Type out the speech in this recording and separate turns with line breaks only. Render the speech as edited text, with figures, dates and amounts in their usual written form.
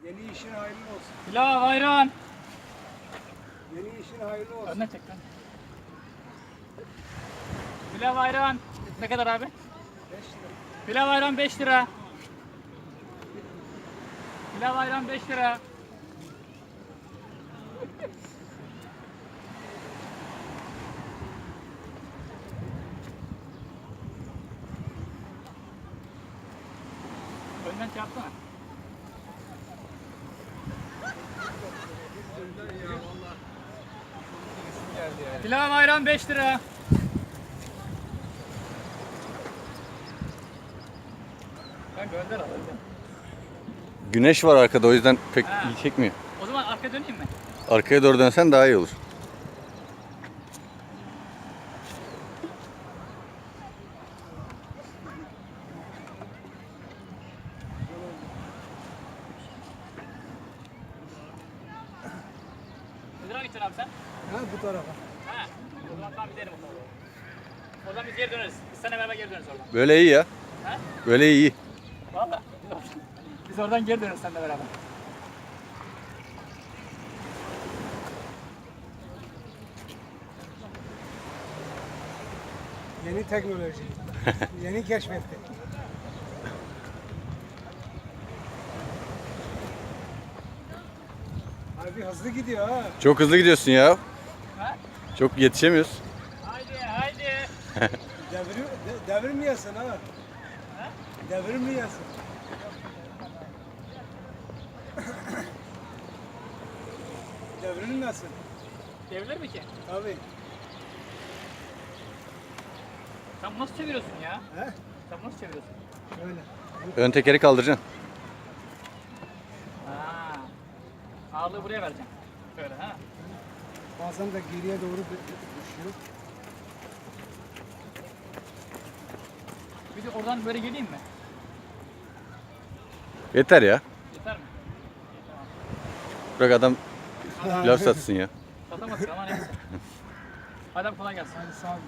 Yeni işin hayırlı olsun.
Pilav, ayran.
Yeni işin hayırlı olsun.
Önüne çek lan. Pilav, ayran. Ne kadar abi?
5 lira.
Pilav, ayran 5 lira. Pilav, ayran 5 lira. Önden şey yapsana. Pilav, ayran 5 lira. Ben gönder alayım.
Güneş var arkada, o yüzden pek
Ha.
iyi çekmiyor.
O zaman arkaya döneyim mi?
Arkaya doğru dönsen daha iyi olur.
Ne tarafa gideceksin abi sen?
Ha bu tarafa.
Ha. O zaman tamam gidelim o tarafa. Oradan biz geri döneriz. Biz seninle beraber geri döneriz oradan.
Böyle iyi ya.
Ha?
Böyle iyi.
Valla. Biz oradan geri döneriz seninle beraber.
Yeni teknoloji. Yeni keşfetti. Abi hızlı gidiyor ha.
Çok hızlı gidiyorsun ya.
Ha?
Çok yetişemiyoruz.
Haydi haydi.
Devirmeyesin ha. Devirmeyesin. Devrilmesin.
Devrilir mi ki?
Tabii.
Sen bunu nasıl çeviriyorsun ya?
He?
Sen bunu nasıl çeviriyorsun?
Öyle.
Ön tekeri kaldıracaksın.
Ha. Ağırlığı buraya vereceğim. Böyle ha.
Bazen de geriye doğru düşüyor.
Bir de oradan böyle geleyim mi?
Yeter ya.
Yeter mi?
Bırak adam pilav satsın ya.
Satamazsın ama neyse. Hadi abi kolay gelsin.
Hadi sağ ol.